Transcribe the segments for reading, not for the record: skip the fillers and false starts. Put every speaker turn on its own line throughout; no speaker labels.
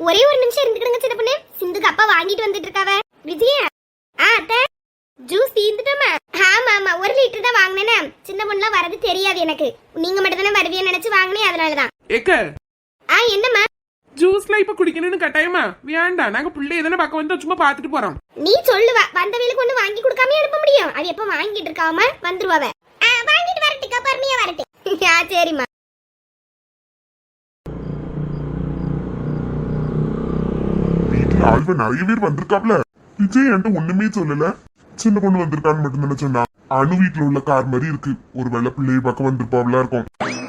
ஒரே ஒரு நிமிஷம் இருந்துக்கிடுங்க சின்ன பொண்ணு. சிந்துக்கு அப்பா வாங்கிட்டு வந்துட்டு இருக்காவ. விஜயா அத்தை ஜூஸ் தீந்துட்டோமா? ஆமா ஆமா 1 லிட்டர் தான் வாங்கினேன்னா சின்ன பொண்ணுலாம் வரது தெரியாது எனக்கு. நீங்க மட்டும் தானே வருவிய நினைச்சு வாங்கினேன், அதனாலதான்.
ஏக்க
என்னம்மா
ஜூஸ்லாம் இப்ப குடிக்கணும்னு கட்டாயமா? வேண்டாம், நாங்க பிள்ளை எதனா பக்கம் வந்து சும்மா பாத்துட்டு போறோம்.
நீ சொல்லுவ வந்தவங்களுக்கு ஒண்ணு வாங்கி கொடுக்காம அனுப்ப முடியும்? அது எப்ப வாங்கிட்டு இருக்காம வந்துருவாவ. வாங்கிட்டு வரட்டுக்கா, பொறுமையா வரட்டு. சரிம்மா.
வீட்டுல ஆள்வ நிறைய பேர் வந்திருக்காப்ல. விஜய் என்கிட்ட ஒண்ணுமே சொல்லல. சின்ன பொண்ணு வந்திருக்கான்னு மட்டும் தானே சொன்னா. அணு வீட்டுல உள்ள கார் மாதிரி இருக்கு. ஒரு வெள்ள பிள்ளைய பக்கம் வந்திருப்பாப்ல இருக்கும்.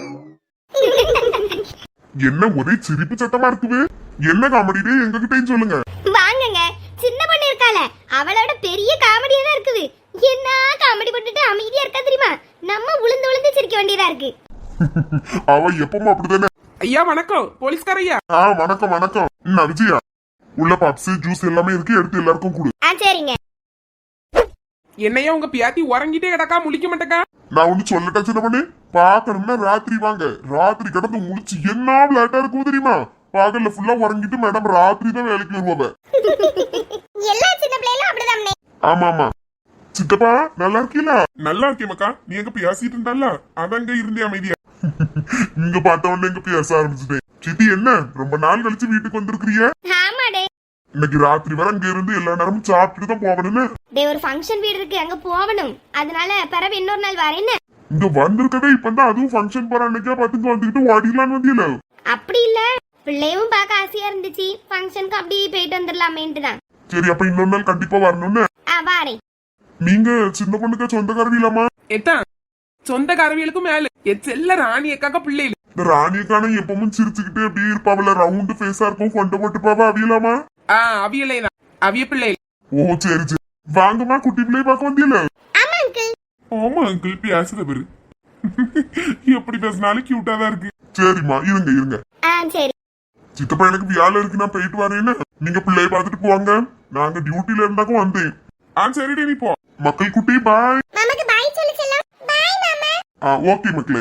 என்ன ஒரே சிரிப்பு சத்தமா இருக்குவே? என்ன காமெடியே எங்ககிட்டயும் சொல்லுங்க.
வாங்குங்க, சின்ன பொண்ணு இருக்கால அவளோட பெரிய காமெடியா தான் இருக்குது. என்ன காமெடி பண்ணிட்டு அமைதியா இருக்கா தெரியுமா? நம்ம உளுந்து உளுந்து சிரிக்க வேண்டியதா இருக்கு.
அவ எப்பவும் அப்படித்தானே.
ஐயா வணக்கம், போலீஸ்கார ஐயா.
வணக்கம் வணக்கம். விஜயா உள்ள பப்ஸ் ஜூஸ் எல்லாமே இருக்கு, எடுத்து எல்லாருக்கும் கொடு.
சரிங்க.
என்னையா உங்க பியாத்தி உறங்கிட்டே கிடக்கா, முழிக்க மாட்டேக்கா?
நான் ஒண்ணு சொல்லட்டா சின்ன பொண்ணு? பாக்கணும்னா ராத்திரி வாங்க. ராத்திரி கிடந்து முடிச்சு என்ன விளையாட்டா இருக்கும் தெரியுமா? பகல்ல ஃபுல்லா உறங்கிட்டு மேடம் ராத்திரி தான் வேலைக்கு வருவாங்க.
எல்லா சின்ன பிள்ளைகளும் அப்படிதான்.
ஆமா ஆமா. சித்தப்பா நல்லா இருக்கீங்களா?
நல்லா இருக்கேன் மக்கா. நீ எங்க பேசிட்டு இருந்தால அதங்க இருந்தே அமைதியா.
இங்க பார்த்த உடனே எங்க பேச ஆரம்பிச்சுட்டேன். சித்தி என்ன ரொம்ப நாள் கழிச்சு வீட்டுக்கு வந்திருக்கிறீங்க?
ஆமாடே,
இன்னைக்கு ராத்திரி வரை அங்க இருந்து எல்லா நேரமும் சாப்பிட்டு தான் போகணும்னு.
ஒரு ஃபங்க்ஷன் வீடு இருக்கு, அங்க போகணும். அதனால பிறகு இன்னொரு நாள் வரேன்னு.
இங்க வந்திருக்கதே இப்பதான், அதுவும் ஃபங்க்ஷன் போற அன்னைக்கா பாத்துட்டு வந்துகிட்டு ஓடிடலான்னு வந்தியல.
அப்படி இல்ல, பிள்ளையும் பார்க்க ஆசையா இருந்துச்சு. ஃபங்க்ஷனுக்கு அப்படியே போயிட்டு வந்துடலாமேன்ட்டு தான்.
சரி அப்ப இன்னொரு நாள் கண்டிப்பா வரணும்னு.
வாரேன்.
நீங்க சின்ன பொண்ணுக்கு சொந்தக்காரவி இல்லாமா?
எத்தான் சொந்த கரவியலுக்கும் மேல செல்ல ராணி எக்காக்க பிள்ளைகள்.
இந்த ராணியக்கான எப்பவும் சிரிச்சுக்கிட்டு அப்படியே இருப்பாவில, ரவுண்டு ஃபேஸா இருக்கும், கொண்ட போட்டுப்பாவா, அவியலாமா?
அவியலை தான், அவிய பிள்ளைகள்.
ஓ சரி சரி. வாங்கம்மா, குட்டி பிள்ளைய பார்க்க வந்தியல?
ஆமா அங்கிள்.
ஆமா அங்கிள் பேசுற பேரு எப்படி பேசினாலும் கியூட்டா தான் இருக்கு.
சரிம்மா இருங்க இருங்க.
சரி.
சித்தப்பா எனக்கு வேலை இருக்கு, நான் போயிட்டு வரேன்னு. நீங்க பிள்ளைய பார்த்துட்டு போவாங்க. நாங்க டியூட்டில இருந்தாக்கும் வந்தேன்.
சரிடி நீ போ.
மக்கள் குட்டி பாய்.
மாமாக்கு பாய் சொல்லு செல்லம். பாய் மாமா.
ஓகே மக்களே.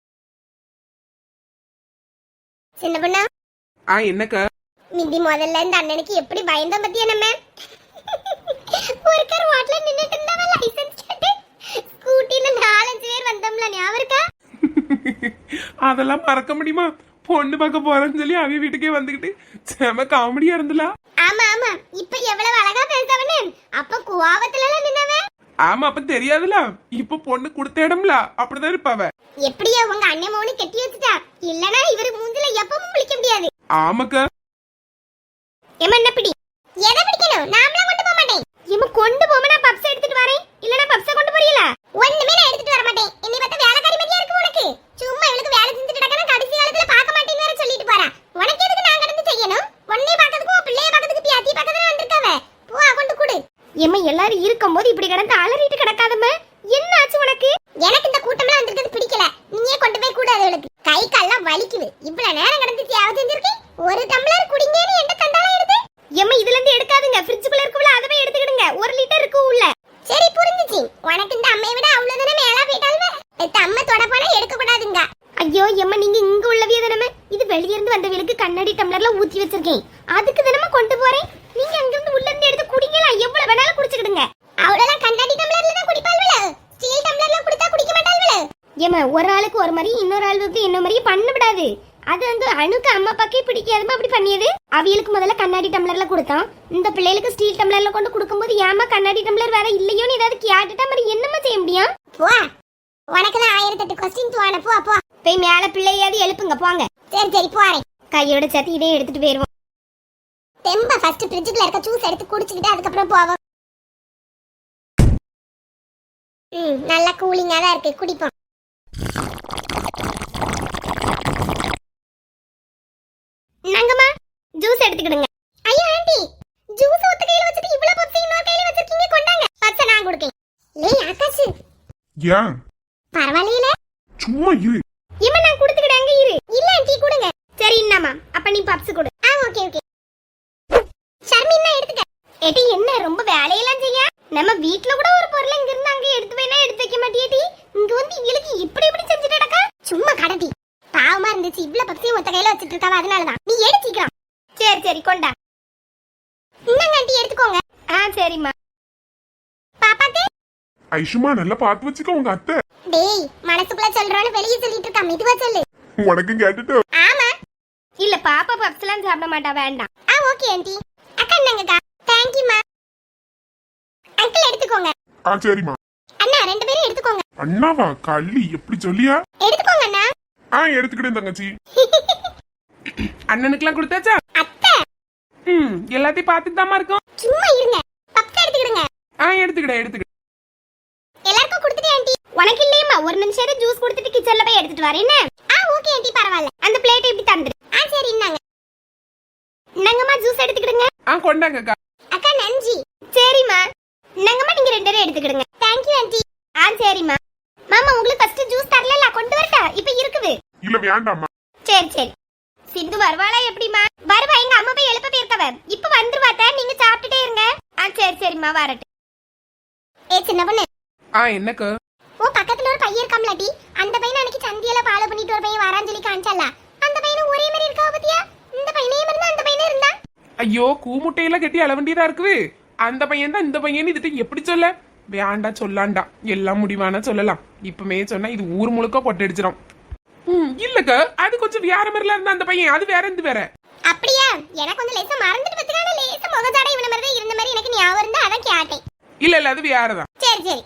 சின்ன பொண்ணா
என்னக்கா?
மிதி முதல்ல இந்த அண்ணனுக்கு எப்படி பயந்தோம் பத்தியா நம்ம? ஒரு கார் வாட்ல நின்னுட்டு இருந்தாவ, லைசென்ஸ் கேட்டு ஸ்கூட்டில 4-5 பேர் வந்தோம்ல, ஞாபகம் இருக்கா?
அதெல்லாம் மறக்க முடியுமா? பொண்ணு பார்க்க போறேன்னு சொல்லி அவிய வீட்டுக்கே வந்துகிட்டு செம காமெடியா இருந்தல.
ஆமா ஆமா. இப்ப எவ்வளவு அழகா பேசவனே. அப்ப கோவத்துல எல்லாம் நின்னவ.
ஆமா, அப்ப தெரியாதுல. இப்ப பொண்ணு கொடுத்த இடம்ல அப்படிதான் இருப்பாவ.
எப்படியா உங்க அண்ணன் மோனி கட்டி வச்சுட்டா? இல்லனா இவரு மூஞ்சில எப்பவும் முழிக்க முடியாது.
ஆமாக்கா.
ஏமா என்ன பிடி? எதை பிடிக்கணும்? நாமளா கொண்டு போக மாட்டேன். ஏமா கொண்டு போமா, நான் பப்ஸ் எடுத்துட்டு வரேன். இல்லனா பப்ஸ கொண்டு போறீங்களா? ஒண்ணுமே நான் எடுத்துட்டு வர மாட்டேன். என்னை பார்த்தா வேலைக்காரி மாதிரியா இருக்கு உனக்கு. சும்மா இவளுக்கு வேலை செஞ்சுட்டு இருக்கறனா கடைசி காலத்துல பார்க்க மாட்டேன்னு வேற சொல்லிட்டு போறா. உனக்கு எதுக்கு நான் கடந்து செய்யணும்? ஒண்ணே பார்க்கிறதுக்கு பிள்ளைய பார்க்கிறதுக்கு பியாத்தி பக்கத்துல வந்திருக்காவ. போ கொண்டு குடு. ஏமா எல்லாரும் இருக்கும்போது இப்படி கடந்து அலறிட்டு கிடக்காதம்மா. என்ன ஆச்சு உனக்கு? எனக்கு இந்த கூட்டம்லாம் வந்திருக்கிறது பிடிக்கல. நீயே கொண்டு போய் கூடாது. அவளுக்கு கை கால்லாம் வலிக்குது. இவ்வளவு நேரம் கடந்து சேவை செஞ்சிருக்கேன். ஒரு டம்ளர் குடிங்கன்னு எந்த தண்டால எடுத்து? ஏமா இதுல இருந்து எடுக்காதுங்க. ஃப்ரிட்ஜ்க்குள்ள இருக்குல, அதவே எடுத்துக்கிடுங்க. 1 லிட்டர் இருக்கு உள்ள. சரி புரிஞ்சுச்சு. உனக்கு இந்த அம்மையை விட அவ்வளவுதானே மேலா போயிட்டால்வே. அம்மா தொட போனா எடுக்க கூடாதுங்க. ஐயோ எம்மா, நீங்க இங்க உள்ளவியே தானே. இது வெளிய இருந்து வந்தவங்களுக்கு கண்ணாடி டம்ளர்ல ஊத்தி வச்சிருக்கேன். அதுக்கு தானே கொண்டு போறேன். நீங்க அங்க இருந்து உள்ள இருந்து எடுத்து குடிங்களா? எவ்வளவு வேணாலும் குடிச்சுக்கிடுங்க. அவ்வளவுதான் கண்ணாடி டம்ளர்ல தான் குடிப்பாள்வல. ஸ்டீல் டம்ளர்ல குடிச்சா குடிக்க மாட்டாள்வல. ஏமா ஒரு ஆளுக்கு ஒரு மாதிரி, இன்னொரு ஆளுக்கு இன்னொரு மாதிரி பண்ண விடாது. அது வந்து அணுக்கு அம்மா அப்பாக்கே பிடிக்காதுமா அப்படி பண்ணியது. அவியலுக்கு முதல்ல கண்ணாடி டம்ளர்ல கொடுத்தான். இந்த பிள்ளைகளுக்கு ஸ்டீல் டம்ளர்ல கொண்டு கொடுக்கும்போது ஏமா கண்ணாடி டம்ளர் வேற இல்லையோன்னு ஏதாவது கேட்டுட்டா மாதிரி என்னமா செய்ய முடியும்? போ, உனக்கு தான் 1008 கொஸ்டின் தோண. போ போ போய் மேல பிள்ளையாவது எழுப்புங்க போங்க. சரி சரி போறேன். கையோட சேர்த்து இதையும் எடுத்துட்டு போயிருவோம். தெம்ப ஃபர்ஸ்ட் ஃப்ரிட்ஜ்ல இருக்க ஜூஸ் எடுத்து குடிச்சிட்டு அதுக்கப்புறம் போவோம். நல்லா கூலிங்கா தான் இருக்கு, குடிப்போம். நாங்கம்மா ஜூஸ் எடுத்துக்கிடுங்க. ஐயா ஆண்டி, ஜூஸ் ஒத்த கையில வச்சிட்டு இவ்வளவு பப்ஸ் இன்னொரு கையில வச்சிருக்கீங்க, கொண்டாங்க. பச்சை நான் கொடுக்கேன். லேய் ஆகாஷ்.
ஏன்
பரவாயில்லையில,
சும்மா இரு.
இம்மா நான் கொடுத்துக்கிட்டேன், அங்க இரு. இல்ல ஆண்டி கொடுங்க. சரி என்னம்மா, அப்ப நீ பப்ஸ் கொடு. Okay okay. ஷர்மினா எடுத்துக்க. ஏடி என்ன ரொம்ப வேலையெல்லாம் செய்ய? நம்ம வீட்ல கூட ஒரு பொருளை இங்க இருந்து அங்க எடுத்து வேணா எடுத்து வைக்க மாட்டியேடி. இங்க வந்து இவளுக்கு இப்படி இப்படி செஞ்சுட்டு நடக்கா. சும்மா கடடி. பாவமா இருந்துச்சு, இவ்வளவு பப்ஸையும் ஒத்த கையில வச்சிட்டு இருக்காவ, அதனாலதான். நீ எடுத்துக்கலாம். சரி சரி சரிம்மா. பாப்பாக்கு
ஐஷுமா நல்லா பார்த்து வச்சுக்க உங்க அத்தை.
டேய் மனசுக்குள்ள சொல்றோன்னு வெளியே சொல்லிட்டு இருக்க, மெதுவா சொல்லு.
உனக்கும் கேட்டுட்டு.
ஆமா. இல்ல பாப்பா பப்ஸ்லாம் சாப்பிட மாட்டா, வேண்டாம். Okay aunty. அக்கா என்னங்கக்கா? தேங்க் யூ மா. அங்கிள் எடுத்துக்கோங்க.
சரிம்மா.
அண்ணா ரெண்டு பேரும் எடுத்துக்கோங்க.
அண்ணாவா? கள்ளி எப்படி சொல்லியா?
எடுத்துக்கோங்க அண்ணா.
எடுத்துக்கிட்டேன் தங்கச்சி.
அண்ணனுக்குலாம் கொடுத்தாச்சா?
அத்தை
எல்லாத்தையும் பார்த்துட்டு தாமா இருக்கும்.
சும்மா இருங்க, பப்ஸ் எடுத்துக்கிடுங்க.
எடுத்துக்கிட.
எல்லாருக்கும் கொடுத்துட்டே ஆண்டி. உனக்கு இல்லையம்மா, ஒரு நிமிஷம் ஜூஸ் குடிச்சிட்டு கிச்சன்ல போய் எடுத்துட்டு வரேன். என்ன? ஓகே ஆண்டி, பரவாயில்ல. அந்த பிளேட் இப்படி தந்துரு. சரி இந்தாங்க. இந்தாங்கம்மா ஜூஸ் எடுத்துக்கிடுங்க.
கொண்டாங்கக்கா.
அக்கா நன்றி. சரிம்மா. இந்தாங்கம்மா நீங்க ரெண்டு பேரும் எடுத்துக்கிடுங்க. Thank you aunty. சரிம்மா. மாமா உங்களுக்கு ஃபர்ஸ்ட் ஜூஸ் தரல, கொண்டு வரட்டா? இப்ப இருக்குது.
இல்ல வேண்டாம்மா.
சரி. சிந்து வருவாளா எப்படிமா? வருவா, எங்க அம்மா போய் எழுப்ப போயிருக்கவ. இப்ப வந்துருவாத்த, நீங்க சாப்பிட்டுட்டே இருங்க. சரிம்மா வரட்டு. சின்ன பொண்ணு.
என்னக்கு?
பக்கத்துல ஒரு பையன் இருக்காம்லடி, அந்த பையன் அன்னைக்கு சந்தியில ஃபாலோ பண்ணிட்டு ஒரு பையன் வரான்னு சொல்லி காமிச்சால, அந்த பையனும் ஒரே மாதிரி இருக்கா பத்தியா? இந்த பையனே இருந்தா அந்த பையனே இருந்தா.
ஐயோ கூமுட்டையில கட்டி அள வேண்டியதா இருக்குது. அந்த பையன் தான் இந்த பையன். இதுட்டு எப்படி சொல்ல? வேண்டா சொல்லாண்டா, எல்லாம் முடிவான சொல்லலாம். இப்பமே சொன்னா இது ஊர் முழுக்க பொட்டடிச்சிடும். இல்லக்க, அது கொஞ்சம் வேற மாதிரில இருந்தா அந்த பையன். அது வேற இந்த வேற.
அப்படியா? எனக்கு கொஞ்சம் லேசா மறந்துட்டு பத்தினால லேசா முகஜாடை இவன மாதிரி தான் இருந்த மாதிரி எனக்கு ஞாபகம் இருந்தா அதான் கேட்டேன்.
இல்ல அது வேறதான்.
சரி.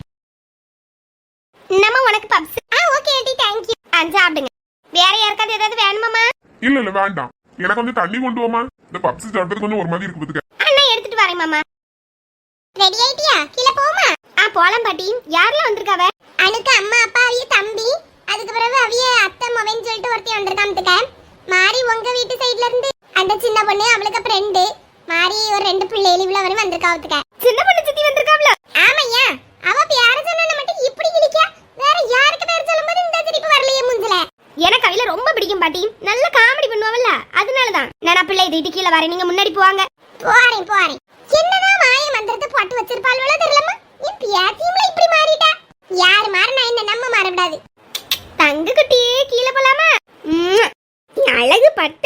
நம்ம உனக்கு puffs. Okay aunty, thank you. சாப்பிடுங்க. வேற யாருக்காவது ஏதாவது வேணுமாமா?
இல்ல வேண்டாம். எனக்கு கொஞ்சம் தண்ணி கொண்டு வாமா. இந்த பப்ஸ் சாப்பிட்டது கொஞ்சம் ஒரு மாதிரி இருக்கு பாத்துக்க.
அண்ணா எடுத்துட்டு வரேன் மாமா. ரெடி ஆயிட்டியா? கீழ போமா? போலாம் பாட்டி. யாரெல்லாம் வந்திருக்காவ? அனுக்கு அம்மா அப்பா அவிய தம்பி, அதுக்கு பிறகு அவிய அத்தை மவன் சொல்லிட்டு ஒருத்தி வந்திருக்காமத்துக்க. மாரி உங்க வீட்டு சைடுல இருந்து அந்த சின்ன பொண்ணு, அவளுக்கு ஃப்ரெண்டு மாரி ஒரு ரெண்டு பிள்ளைகள் இவ்வளவு வரை வந்திருக்காவத்துக்க. சின்ன பொண்ணு சித்தி வந்திருக்காவல? ஆமையா. அவ பேர சொன்னா மட்டும் இப்படி கிளிக்கா. வேற யாருக்கு பேர் சொல்லும்போது இந்த சிரிப்பு வரலையே முஞ்சல. எனக்கு அவில ரொம்ப பிடிக்கும் பாட்டி. நல்ல காமெடி பண்ணுவாவல்ல, அதனாலதான். நான் பிள்ளை இது கீழ வரேன், நீங்க முன்னாடி போவாங்க. போறேன். என்னதான் மாய மந்திரத்தை போட்டு வச்சிருப்பாள்வளோ தெரியலமா. என் பியாத்தியம்ல இப்படி மாறிட்டா. யாரு மாறினா என்ன, நம்ம மாறக்கூடாது. தங்க குட்டியே கீழ போலாமா? அழகு பட்டு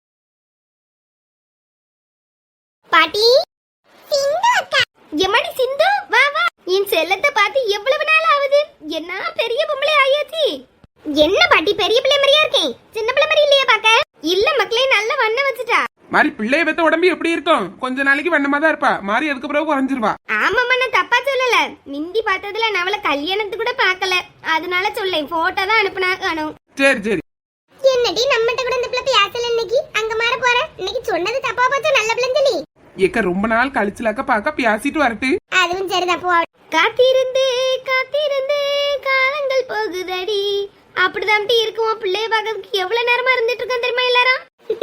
பாட்டி. சிந்து அக்கா. எம்மாடி சிந்து, வா. என் செல்லத்தை பார்த்து எவ்வளவு நாள் ஆகுது. என்ன பெரிய பொம்பளை ஆயாச்சு. என்ன பாட்டி பெரிய பிள்ளை மாதிரியா இருக்கேன், சின்ன பிள்ளை மாதிரி இல்லையா பாக்க? இல்ல மக்களே, நல்ல வண்ண வச்சுட்டா.
மாறி பிள்ளைய பெத்த உடம்பு எப்படி இருக்கும்? கொஞ்ச நாளைக்கு வண்ணமா தான் இருப்பா. மாறி அதுக்கு பிறகு குறைஞ்சிருவா.
ஆமாம்மா, நான் தப்பா சொல்லல. மிந்தி பார்த்ததுல நான் அவளை கல்யாணத்துக்கு கூட பாக்கல, அதனால சொல்லேன். போட்டோ தான் அனுப்புனா காணும்.
சரி.
என்னடி நம்மகிட்ட கூட இந்த பிள்ளை பேசல இன்னைக்கு? அங்க மாற போற இன்னைக்கு சொன்னது தப்பா போச்சு. நல்ல பிள்ளைன்னு சொல்லி
ஏக்க ரொம்ப நாள் கழிச்சுலாக்க பாக்க பேசிட்டு வரட்டு.
அதுவும் சரிதான் போ. காத்திருந்து காலங்கள் போகுதடி, அப்படிதான் இருக்குவோம். பிள்ளைய பாக்கிறதுக்கு எவ்வளவு நேரமா இருந்துட்டு இருக்கோம் தெரியுமா எல்லாரும்?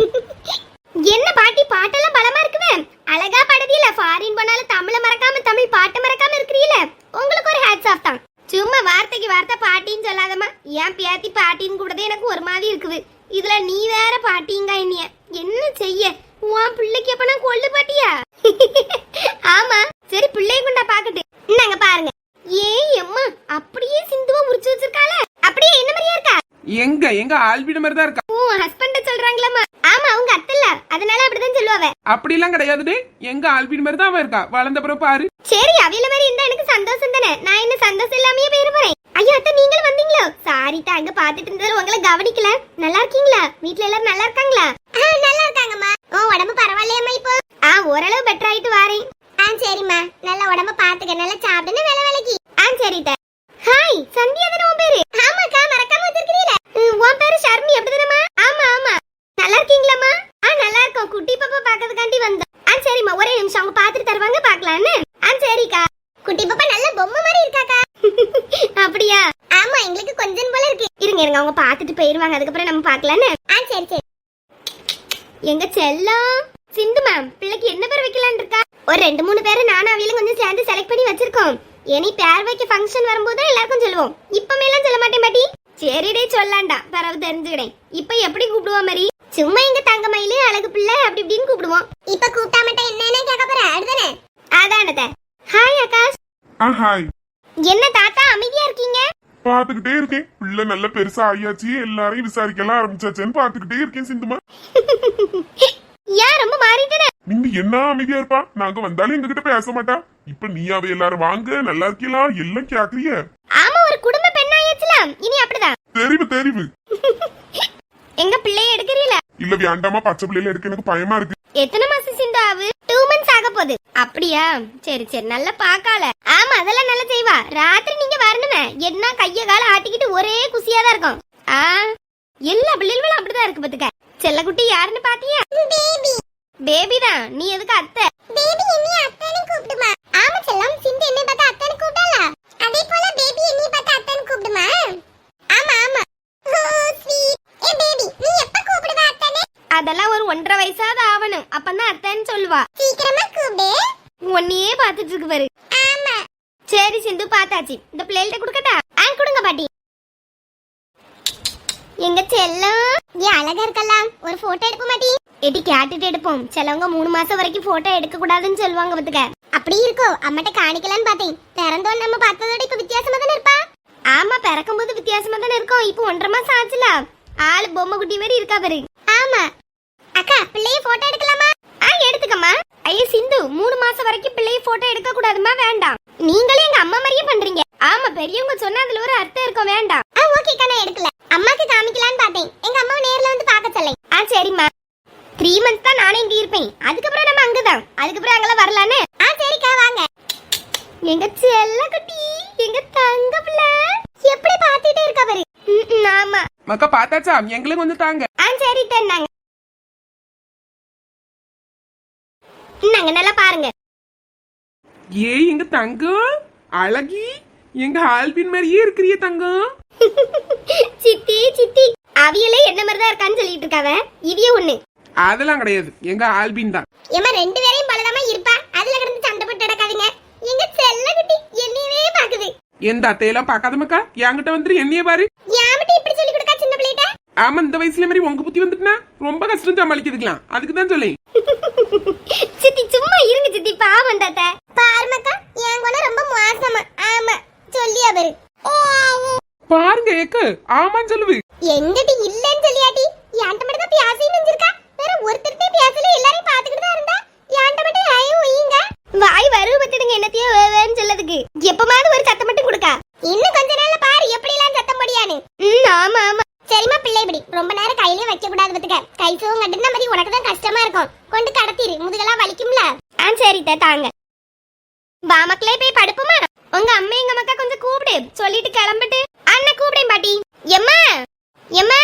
என்ன பாட்டி பாட்டெல்லாம் பலமா இருக்குவே. அழகா பாடுதீல. ஃபாரின் போனாலும் தமிழ மறக்காம தமிழ் பாட்டு மறக்காம இருக்கிறீல. உங்களுக்கு ஒரு ஹேட்ஸ் ஆஃப் தான். சும்மா வார்த்தைக்கு வார்த்தை பாட்டின்னு சொல்லாதம்மா. ஏன் பேத்தி பாட்டின்னு கூடதே எனக்கு ஒரு மாதிரி இருக்குது. இதுல நீ வேற பாட்டிங்க. என்னைய என்ன செய்ய? உன் பிள்ளைக்கு எப்ப நான் கொள்ளு பாட்டியா? ஆமா சரி, பிள்ளைய கொண்டா பாக்கட்டு. நாங்க பாருங்க. அம்மா அப்படியே சிந்துவா உரிச்சு வச்சிருக்காள. அப்படியே என்ன மாதிரியா இருக்கா?
எங்க ஆல்பிட மாதிரி தான் இருக்கா.
ஹஸ்பண்ட சொல்றாங்களாமா? ஆமா அவங்க அத்தல்ல, அதனால அப்படிதான் சொல்லுவாவ.
அப்படி எல்லாம் கிடையாதுடே, எங்க ஆல்பிட மாதிரி தான் அவ இருக்கா. வளர்ந்த பிறகு பாரு.
சரி, அவில மாதிரி இருந்தா எனக்கு சந்தோஷம் தானே. நான் என்ன சந்தோஷம் இல்லாமயே போயிட போறேன். ஐயா அத்தை, நீங்களும் வந்தீங்களோ? சாரி தாங்க, பாத்துட்டு இருந்தது உங்களை கவனிக்கல. நல்லா இருக்கீங்களா? வீட்ல எல்லாரும் நல்லா இருக்காங்களா? நல்லா இருக்காங்கம்மா. உடம்பு பரவாயில்லையம்மா இப்போ? ஓரளவு பெட்டர் ஆயிட்டு வாரேன். சரிம்மா, நல்ல உடம்ப பாத்துக்க, நல்லா சாப்பிடுன்னு வேலை வேலைக்கு. சரிட்ட. ஹாய், சந்தியா தானே உன் பேரு? ஆமாக்கா, மறக்காம வச்சிருக்கீல. உன் பேரு ஷர்மி அப்படிதானேம்மா? ஆமா. நல்லா இருக்கீங்களாம்மா? நல்லா இருக்கோம். குட்டி பாப்பா பாக்கிறதுக்காண்டி வந்தோம். சரிம்மா, ஒரே நிமிஷம் அவங்க பாத்துட்டு தருவாங்க, பாக்கலான்னு. சரிக்கா. குட்டி பாப்பா நல்ல பொம்மை மாதிரி இருக்காக்கா. அப்படியா? ஆமா, எங்களுக்கு கொஞ்சம் போல இருக்கு. இருங்க அவங்க பாத்துட்டு போயிருவாங்க, அதுக்கப்புறம் நம்ம பாக்கலான்னு. சரி. எங்க செல்லம் சிந்து மேம், பிள்ளைக்கு என்ன பேர் வைக்கலான்னு இருக்கா? ஒரு 2-3 பேரை நானும் அவியில கொஞ்சம் சேர்ந்து செலக்ட் பண்ணி வச்சிருக்கோம். இனி பேர் வைக்க ஃபங்க்ஷன் வரும்போது எல்லாருக்கும் சொல்லுவோம். இப்பமே எல்லாம் சொல்ல மாட்டேன் பாட்டி. சரிடே, சொல்லாண்டா, பரவ தெரிஞ்சுக்கிறேன். இப்ப எப்படி கூப்பிடுவோம் மாதிரி? சும்மா எங்க தங்க மயிலே அழகு பிள்ளை அப்படி இப்படின்னு கூப்பிடுவோம். இப்ப கூப்பிட்டா மட்டும் என்னன்னு கேட்க போற? அடுதானே? அதானத. ஹாய் ஆகாஷ்.
ஹாய்.
என்ன தாத்தா அமைதியா இருக்கீங்க?
பாத்துக்கிட்டே இருக்கேன். பிள்ளை நல்ல பெருசா ஆயாச்சு, எல்லாரையும் விசாரிக்கலாம் ஆரம்பிச்சாச்சுன்னு பாத்துக்கிட்டே இருக்கேன் சிந்துமா.
ரொம்ப மாறிட்டேனே.
நீங்க என்ன அமைதியா இருப்பா, நாங்க வந்தாலும் எங்ககிட்ட பேச மாட்டா. இப்ப நீயாவே எல்லாரும் வாங்க நல்லா இருக்கீங்களா எல்லாம் கேக்குறிய.
ஆமா, ஒரு குடும்ப பெண்ணாயாச்சுலாம், இனி அப்படிதான்.
தெரிவு தெரிவு.
எங்க பிள்ளைய எடுக்கிறீல?
இல்ல வேண்டாமா, பச்சை பிள்ளைல எடுக்க எனக்கு பயமா இருக்கு.
எத்தனை மாசம் சிந்து ஆகு? 2 months ஆக போகுது. அப்படியா? சரி சரி, நல்லா பாக்கால. ஆமா, அதெல்லாம் நல்லா செய்வா. ராத்திரி நீங்க வரணுமே, என்ன கைய கால ஆட்டிக்கிட்டு ஒரே குசியா தான் இருக்கும். எல்லா பிள்ளைகளும் அப்படிதான் இருக்கு பாத்துக்க. செல்லக்குட்டி யாருன்னு பாத்தியா? பேபி. பேபி தான். நீ எதுக்கு அத்தை? பேபி என்னைய அத்தைன்னு கூப்பிடுமா? ஆமா செல்லம், சிந்து என்னை பார்த்தா அத்தைன்னு கூப்பிடல. அதே போல பேபி என்னைய பார்த்தா அத்தைன்னு கூப்பிடுமா? ஆமா ஆமா. ஓ ஸ்வீட். ஏ பேபி, நீ எப்ப கூப்பிடுவ அத்தைன்னு? அதெல்லாம் ஒரு 1.5 வயசாவது ஆவணும், அப்பதான் அத்தைன்னு சொல்லுவா. சீக்கிரமா கூப்பிடு. உன்னையே பாத்துட்டு இருக்கு பாரு. ஆமா. சரி சிந்து, பாத்தாச்சு. இந்த பிளேட்ட குடுக்கட்டா? கொடுங்க பாட்டி. எங்க செல்லம், நீ அழகா இருக்கலாம். ஒரு போட்டோ எடுக்க மாட்டி? எடி கேட்டுட்டு எடுப்போம். சிலவங்க 3 மாசம் வரைக்கும் போட்டோ எடுக்க கூடாதுன்னு சொல்லுவாங்க பாத்துக்க. அப்படி இருக்கோ? அம்மாட்ட காணிக்கலான்னு பார்த்தேன். பிறந்தோன்னு நம்ம பார்த்ததோட இப்ப வித்தியாசமா தானே இருப்பா? ஆமா, பிறக்கும் போது வித்தியாசமா தானே இருக்கும். இப்போ 1.5 மாசம் ஆச்சுல, ஆளு பொம்மை குட்டி மாதிரி இருக்கா பாரு. ஆமா அக்கா, பிள்ளைய போட்டோ எடுக்கலாமா? எடுத்துக்கம்மா. ஐயா சிந்து, 3 மாசம் வரைக்கும் பிள்ளைய போட்டோ எடுக்க கூடாதுமா. வேண்டாம். நீங்களே எங்க அம்மா மாதிரியே பண்றீங்க. ஆமா, பெரியவங்க சொன்னா அதுல ஒரு அர்த்தம் இருக்கும். வேண்டாம். ஓகே கண்ணா, எடுக்கல. அம்மாக்கு காமிக்கலான்னு பார்த்தேன். எங்க அம்மாவை நேர்ல வந்து பார்க்க சொல்லேன். சரிம்மா. 3 months தான் நானே இங்க இருப்பேன். அதுக்கப்புறம் நம்ம அங்கதான். அதுக்கப்புறம் அங்கெல்லாம் வரலான்னு. சரிக்கா, வாங்க. எங்க செல்ல குட்டி, எங்க தங்க பிள்ளை எப்படி பாத்துட்டே இருக்கா பாரு. ஆமா
மக்கா, பாத்தாச்சா? எங்களுக்கு வந்து தாங்க.
சரி தந்தாங்க. நாங்க நல்லா பாருங்க.
ஏய் எங்க தங்கம் அழகி, எங்க ஆல்பின் மாதிரியே இருக்கிறிய தங்கம்.
சித்தி சித்தி, அவியலே என்ன மாதிரி தான் இருக்கான்னு சொல்லிட்டு இருக்காவ. இவிய ஒண்ணு.
அதெல்லாம் கிடையாது, எங்க ஆல்பின் தான்.
ஏமா 2 பேரையும் பலதாமா இருப்பா. அதுல கிடந்து சண்டை போட்டு நடக்காதீங்க. எங்க செல்ல குட்டி என்னையவே பாக்குது.
எந்த அத்தையெல்லாம் பாக்காத மக்கா, என்கிட்ட வந்து என்னைய பாரு.
யாமட்டி இப்படி சொல்லி கொடுக்கா சின்ன பிள்ளைட்ட?
ஆமா, இந்த வயசுல மாதிரி உங்க புத்தி வந்துட்டுனா ரொம்ப கஷ்டம் சமாளிக்கிறதுக்கலாம். அதுக்கு தான் சொல்லேன்.
சித்தி சும்மா இருங்க சித்தி, பாவம் தாத்தா. பாருமக்கா, என் குணம் ரொம்ப மோசமா. ஆமா சொல்லியா பாரு.
பாருங்க ஏக்கு, ஆமான்னு சொல்லுவு.
எங்கடி இல்லன்னு சொல்லியாட்டி? யான்ட்ட மட்டும் தான் பியாசின்னு நினைச்சிருக்கா. வேற ஒருத்தர்ட்டே பியாசல, எல்லாரையும் பாத்துக்கிட்டு தான் இருந்தா. யான்ட்ட மட்டும் ஐயோ ஒய்யுங்க. வாய் வருவு பத்திடுங்க என்னத்தையோ வேன்னு சொல்லதுக்கு. எப்பமாவது ஒரு சத்தம் மட்டும் கொடுக்கா. இன்னும் கொஞ்ச நாள்ல பாரு எப்படி எல்லாம் சத்தம் முடியான்னு. ஆமா ஆமா. சரிமா பிள்ளை, இப்படி ரொம்ப நேரம் கையிலே வைக்க கூடாது பத்துக்க. கை சுகம் கட்டுன மாதிரி உனக்கு தான் கஷ்டமா இருக்கும். கொண்டு கடத்திரு, முதுகெல்லாம் வலிக்கும்ல. சரி தாங்க. வா மக்களே, போய் படுப்புமா. உங்க அம்மா எங்க மக்கா கொஞ்சம் கூப்பிடு, சொல்லிட்டு கிளம்பிட்டு. அண்ணா கூப்பிடேன் பாட்டி. எம்மா எம்மா.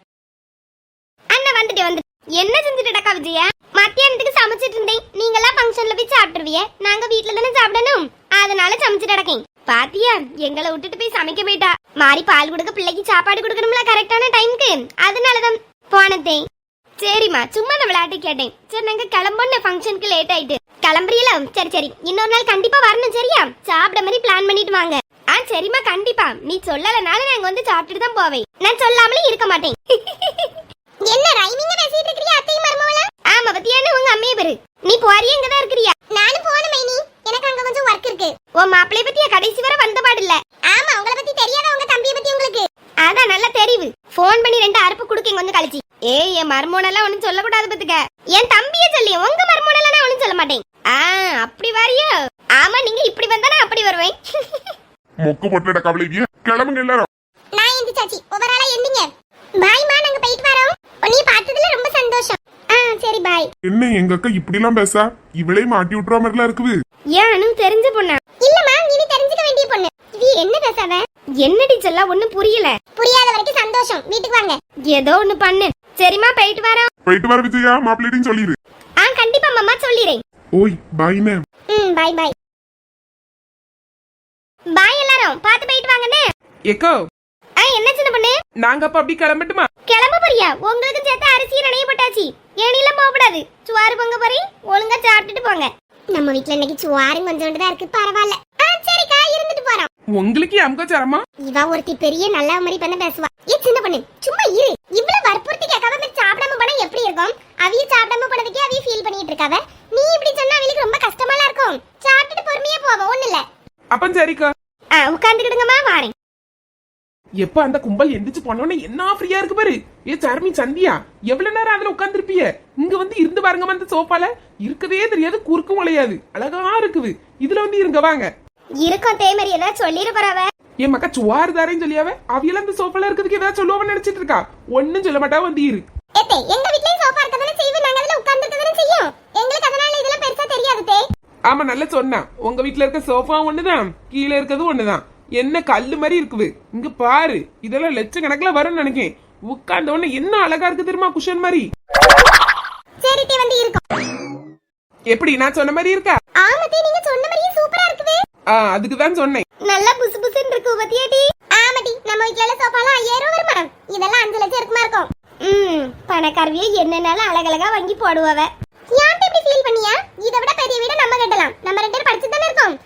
அண்ணா வந்துட்டு. என்ன செஞ்சுட்டடா விஜயா? மத்தியானத்துக்கு சமைச்சிட்டு இருந்தேன். நீங்களாம் ஃபங்க்ஷன்ல போய் சாப்பிட்டுருவிய, நாங்க வீட்டுல தானே சாப்பிடணும். அதனால சமைச்சிட்டு நடக்கேன். பாத்தியா, எங்களை விட்டுட்டு போய் சமைக்க போயிட்டா. மாறி பால் கொடுக்க, பிள்ளைக்கு சாப்பாடு கொடுக்கணும்ல கரெக்டான டைம்க்கு. அதனாலதான் போனதேன். சரிம்மா, சும்மா நான் விளையாட்டு கேட்டேன். சரி, நாங்க கிளம்பணும், ஃபங்க்ஷனுக்கு லேட் ஆயிட்டு. கிளம்புறீல? சரி இன்னொரு நாள் கண்டிப்பா வரணும். சரியா? சாப்பிட மாதிரி பிளான் பண்ணிட்டு வாங்க. சரிம்மா, கண்டிப்பா. நீ சொல்லலனால நாங்க வந்து சாப்பிட்டுட்டு தான் போவேன். நான் சொல்லாமலே இருக்க மாட்டேன். என்ன ரைமிங்க பேசிட்டு இருக்கறியா அத்தையும் மர்மவளா? ஆமா, பத்தியான உங்க அம்மையே பாரு. நீ போறியே, இங்க தான் இருக்கறியா? நானும் போணும் மைனி, எனக்கு அங்க கொஞ்சம் வர்க் இருக்கு. ஓ மாப்பிளை பத்தியா கடைசி வரை வந்த பாடு இல்ல. ஆமா, உங்களை பத்தி தெரியாத உங்க தம்பியை பத்தி உங்களுக்கு? அதான் நல்ல தெரிவு. போன் பண்ணி 2 அறுப்பு குடுக்கீங்க வந்து கழிச்சு. என் மர்மோனெல்லாம் ஒண்ணும் சொல்ல கூடாது பத்துக்க. என் தம்பியே சொல்லி, உங்க மர்மோனெல்லாம் நான் ஒண்ணும் சொல்ல மாட்டேன். அப்படி வாரியா? ஆமா, நீங்க இப்படி வந்தா நான் அப்படி வருவேன்.
மொக்க பொட்டட கவலைவிய, கிளம்புங்க எல்லாரும்.
நான் எந்த சாச்சி ஒவ்வொரு ஆளா எந்திங்க. பாய்மா, நாங்க போயிட்டு வரோம். உன்னைய பார்த்ததுல ரொம்ப சந்தோஷம். சரி பாய்.
என்ன எங்க அக்கா இப்படி எல்லாம் பேசா? இவளே மாட்டி விட்டுற மாதிரிலாம் இருக்குது.
ஏன் தெரிஞ்ச பொண்ணா? இல்லம்மா, நீ தெரிஞ்சுக்க வேண்டிய பொண்ணு. இது என்ன பேசாத? என்னடி சொல்ல, ஒண்ணும் புரியல. புரியாத வரைக்கும் சந்தோஷம். வீட்டுக்கு வாங்க. ஏதோ ஒண்ணு பண்ணு. சரிமா, போயிட்டு வரோம்.
போயிட்டு வர விஜயா, மாப்பிள்ளையும் சொல்லிரு.
கண்டிப்பா மாமா சொல்லிறேன்.
ஓய் பாய்னே.
பாய் பாய். பாய் எல்லாரும், பாத்து போயிட்டு வாங்கண்ணே.
ஏக்கோ,
என்ன சின்ன பொண்ணு?
நாங்க அப்ப அப்படி கிளம்பட்டுமா?
கிளம்ப போறியா? உங்களுக்கு சேர்த்து அரிசி நனைய போட்டாச்சு. ஏனிலாம் போகக்கூடாது. சுவாறு பொங்க போறேன், ஒழுங்கா சாப்பிட்டுட்டு போங்க. நம்ம வீட்ல இன்னைக்கு சுவாரும் கொஞ்சோண்டு தான் இருக்கு, பரவாயில்ல. சரிக்கா, இருந்துட்டு போறோம்.
உங்களுக்கு அம்கோ சரமா?
இவ ஒருத்தி பெரிய நல்ல மாதிரி பண்ண பேசுவா. சின்ன பொண்ணு சும்மா இரு. இவ்வளவு வற்புறுத்தி கேட்காம சாப்பிடாம போனா எப்படி இருக்கும்? அவிய சாப்பிடாம போனதுக்கே அவிய ஃபீல் பண்ணிட்டு இருக்காவ. நீ இப்படி சொன்னா அவளுக்கு ரொம்ப கஷ்டமாலாம் இருக்கும். சாப்பிட்டுட்டு பொறுமையா போவோம், ஒண்ணு இல்ல.
அப்ப சரிக்கா.
உட்கார்ந்துக்கிடுங்கம்மா, வாரேன்.
எப்ப அந்த கும்பல் எந்திரிச்சு போனோன்னு என்ன ஃப்ரீயா இருக்கு பாரு. ஏ சர்மி சந்தியா, எவ்வளவு நேரம் அதுல உட்கார்ந்துருப்பிய? இங்க வந்து இருந்து பாருங்க, அந்த சோஃபால இருக்கவே தெரியாது, குறுக்கும் உழையாது, அழகா இருக்குது. இதுல வந்து இருங்க வாங்க.
இருக்கும் தேமரி ஏதாவது சொல்லிட போறவ.
என் மக்கா சுவாறு தாரேன்னு சொல்லியாவ, அவியெல்லாம் அந்த சோஃபால இருக்கிறதுக்கு ஏதாவது சொல்லுவான்னு நினைச்சிட்டு இருக்கா? ஒன்னும் சொல்ல மாட்டா, வந்து இரு.
ஏத்தே எங்க வீட்லயும் சோஃபா இருக்கதானே செய்வோம், நாங்க அதுல உட்கார்ந்துட்டதானே செய்யும். எங்களுக்கு அதனால இதெல்லாம் பெருசா தெரியாது தே.
ஆமா நல்லா சொன்னா. உங்க வீட்டுல இருக்க சோஃபா ஒண்ணுதான், கீழே இருக்கிறது ஒண்ணுதான். என்ன கல்லு மாதிரி இருக்குது. இங்க பாரு, இதெல்லாம் லட்சக்கணக்கில் வரும்னு நினைக்கேன். உட்கார்ந்த உடனே என்ன அழகா இருக்கு தெரியுமா, குஷன் மாதிரி.
சரி தே வந்து இருக்கும்.
எப்படி நான் சொன்ன மாதிரி இருக்கா?
ஆமா தே, நீங்க சொன்ன மாதிரியே சூப்பரா இருக்குது.
அதுக்கு தான் சொன்னேன்.
நல்லா புசு புசுன்னு இருக்கு பத்தியாடி. ஆமாடி, நம்ம வீட்ல சோஃபாலாம் 5000 வருமா? இதெல்லாம் 5 லட்சம் இருக்குமா இருக்கும். பணக்காரவியே என்னன்னாலும் அழகழகா வாங்கி போடுவவ. ஏன் இப்படி ஃபீல் பண்ணியா? இதை விட பெரிய வீட நம்ம கட்டலாம். நம்ம 2 பேரும் படிச்சு தானே இருக்கோம்.